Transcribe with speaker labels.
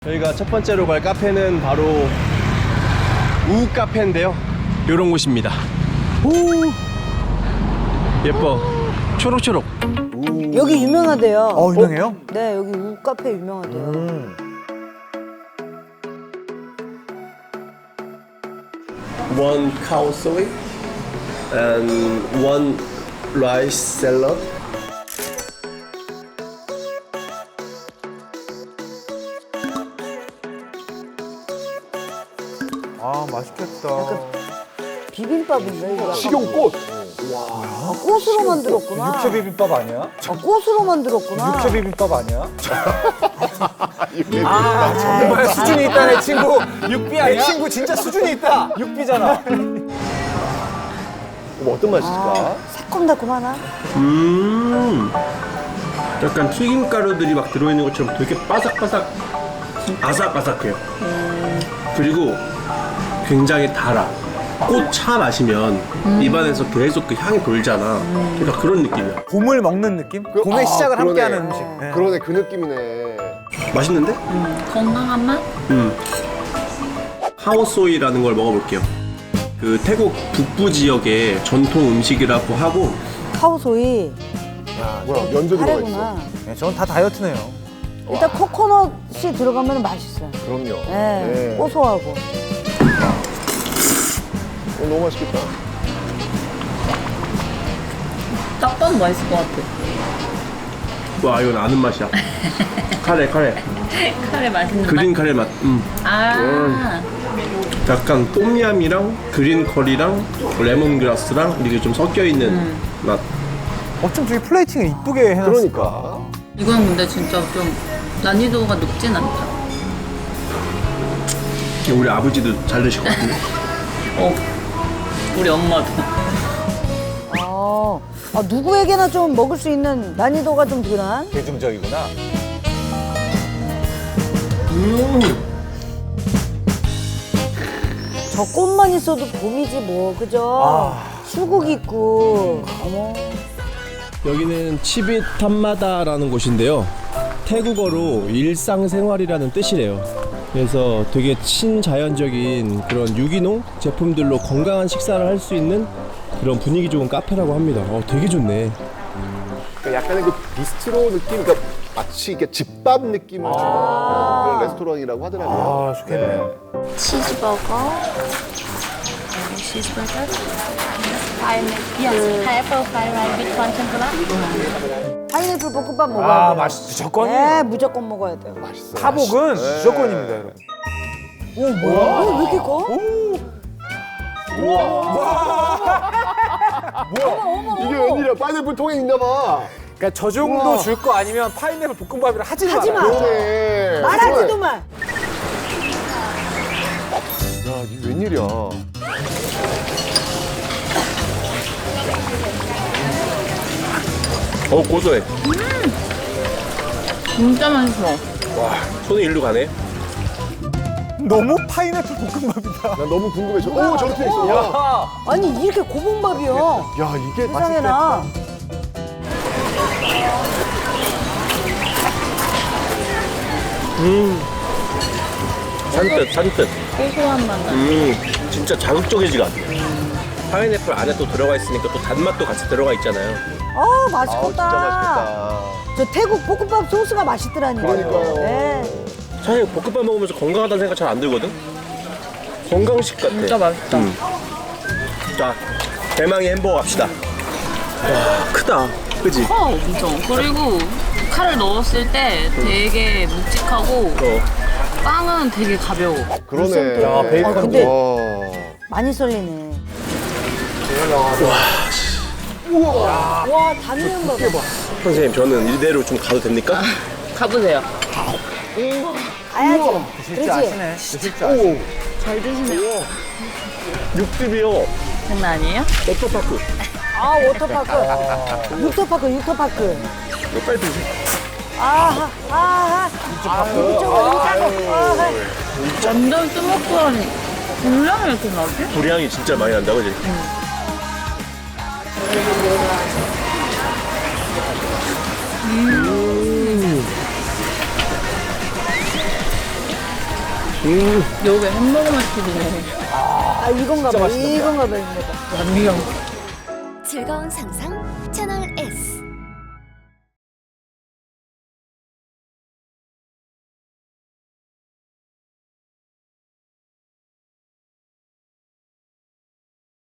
Speaker 1: 저희가 첫 번째로 갈 카페는 바로 우 카페인데요. 요런 곳입니다. 오, 예뻐. 초록초록.
Speaker 2: 여기 유명하대요.
Speaker 3: 유명해요?
Speaker 2: 네, 여기 우 카페 유명하대요.
Speaker 1: One cow soy and one rice salad.
Speaker 3: 아, 맛있겠다.
Speaker 2: 비빔밥인데 이거.
Speaker 4: 식용꽃.
Speaker 2: 아, 꽃으로 만들었구나.
Speaker 3: 육회 비빔밥 아니야?
Speaker 2: 아, 꽃으로 만들었구나.
Speaker 3: 육회 비빔밥 아니야?
Speaker 2: 정말
Speaker 3: 수준이 있다, 내 친구. 육비 아니야? 내 친구 진짜 수준이 있다. 육비잖아.
Speaker 4: 어떤 맛일까?
Speaker 2: 새콤달콤하나?
Speaker 1: 약간 튀김 가루들이 막 들어있는 것처럼 되게 바삭바삭 아삭아삭해요. 그리고 굉장히 달아. 꽃차 마시면 입안에서 계속 그 향이 돌잖아. 그러니까 그런 느낌이야.
Speaker 3: 봄을 먹는 느낌? 봄의 시작을
Speaker 4: 그러네.
Speaker 3: 함께하는 음식. 네.
Speaker 4: 그러네, 그 느낌이네.
Speaker 1: 맛있는데?
Speaker 5: 건강한 맛?
Speaker 1: 하오소이라는 걸 먹어볼게요. 그 태국 북부 지역의 전통 음식이라고 하고
Speaker 2: 카오소이
Speaker 4: 뭐야, 면도 들어가 있어.
Speaker 2: 카레구나.
Speaker 3: 네, 저는 다 다이어트네요.
Speaker 2: 일단 코코넛이 들어가면 맛있어요.
Speaker 4: 그럼요.
Speaker 2: 네, 고소하고.
Speaker 4: 너무 맛있겠다.
Speaker 5: 딱 봐도 맛있을 것 같아.
Speaker 1: 와 이건 아는 맛이야. 카레
Speaker 5: 카레 맛있는
Speaker 1: 그린
Speaker 5: 맛?
Speaker 1: 카레 맛.
Speaker 5: 아,
Speaker 1: 약간 똠얌이랑 그린 커리랑 레몬그라스랑 이게 좀 섞여 있는 맛.
Speaker 3: 어쩜 저기 플레이팅을 이쁘게 해놨을까?
Speaker 4: 그러니까.
Speaker 5: 이건 근데 진짜 좀 난이도가 높진 않다.
Speaker 1: 우리 아버지도 잘 드실 것 같은데.
Speaker 5: 우리 엄마도.
Speaker 2: 누구에게나 좀 먹을 수 있는 난이도가 좀 덜한?
Speaker 3: 대중적이구나.
Speaker 2: 저 꽃만 있어도 봄이지 뭐, 그죠? 수국 있고. 어머.
Speaker 1: 여기는 치빗 탐마다라는 곳인데요. 태국어로 일상생활이라는 뜻이래요. 그래서 되게 친자연적인 그런 유기농 제품들로 건강한 식사를 할 수 있는 그런 분위기 좋은 카페라고 합니다. 되게 좋네.
Speaker 4: 그러니까 약간의 그 비스트로 느낌, 그러니까 마치 이렇게 집밥 느낌을 주는 그런 레스토랑이라고 하더라고요.
Speaker 3: 아, 좋겠네.
Speaker 6: 치즈버거, cheeseburger, pineapple fried rice with corn tempura.
Speaker 2: 파인애플 볶음밥 먹어야
Speaker 3: 아,
Speaker 2: 돼요.
Speaker 3: 맛있지. 저건이.
Speaker 2: 네, 무조건 먹어야 돼요.
Speaker 4: 맛있어요.
Speaker 3: 타복은 무조건입니다, 여러분. 오, 뭐야?
Speaker 2: 왜 이렇게 커?
Speaker 4: 이게 웬일이야? 파인애플 통에 있나 봐.
Speaker 3: 그러니까 저 정도 줄 거 아니면 파인애플 볶음밥이라 하지 마.
Speaker 2: 하지 마.
Speaker 4: 그러네.
Speaker 2: 말하지도 마.
Speaker 4: 야, 이게 웬일이야?
Speaker 1: 고소해.
Speaker 5: 진짜 맛있어.
Speaker 1: 와 손이 일로 가네.
Speaker 3: 너무 파인애플 볶음밥이다.
Speaker 4: 나 너무 궁금해. 저렇게 있어. 야,
Speaker 2: 아니, 이렇게 고봉밥이요.
Speaker 4: 야, 이게
Speaker 2: 세상에나.
Speaker 1: 산뜻.
Speaker 5: 고소한 맛 나.
Speaker 1: 진짜 자극적이지가 않네. 파인애플 안에 또 들어가 있으니까 또 단맛도 같이 들어가 있잖아요.
Speaker 2: 맛있겠다.
Speaker 4: 진짜 맛있겠다.
Speaker 2: 저 태국 볶음밥 소스가 맛있더라니까요.
Speaker 4: 그러니까요.
Speaker 2: 네.
Speaker 1: 사실 볶음밥 먹으면서 건강하다는 생각 잘 안 들거든? 건강식 같아.
Speaker 5: 진짜 맛있다.
Speaker 1: 자, 대망의 햄버거 갑시다. 와, 크다. 그지?
Speaker 5: 커, 엄청. 그리고 칼을 넣었을 때 되게 묵직하고 빵은 되게 가벼워.
Speaker 4: 그러네.
Speaker 3: 야, 베이컨.
Speaker 2: 근데
Speaker 4: 와.
Speaker 2: 많이 썰리네. 와, 단면 봐봐.
Speaker 1: 선생님, 저는 이대로 좀 가도 됩니까?
Speaker 5: 가보세요.
Speaker 2: 가야지.
Speaker 3: 드실 줄
Speaker 2: 그렇지?
Speaker 3: 아시네. 드실 줄 아시네.
Speaker 5: 잘 드시네요.
Speaker 1: 육즙이요.
Speaker 5: 장난 아니에요?
Speaker 1: 워터파크.
Speaker 2: 워터파크. 육터파크.
Speaker 1: 이거 빨리 드세요.
Speaker 2: 이쪽으로
Speaker 5: 완전 뜨먹거리니 분량이 이렇게 나지?
Speaker 1: 불향이 진짜 많이 난다, 그지?
Speaker 5: 여기 햄버거 맛집이네.
Speaker 2: 아 이건가 봐.
Speaker 3: 맛있다.
Speaker 2: 이건가 봐. 이건가 봐.
Speaker 5: 완미형.
Speaker 7: 즐거운 상상 채널 S.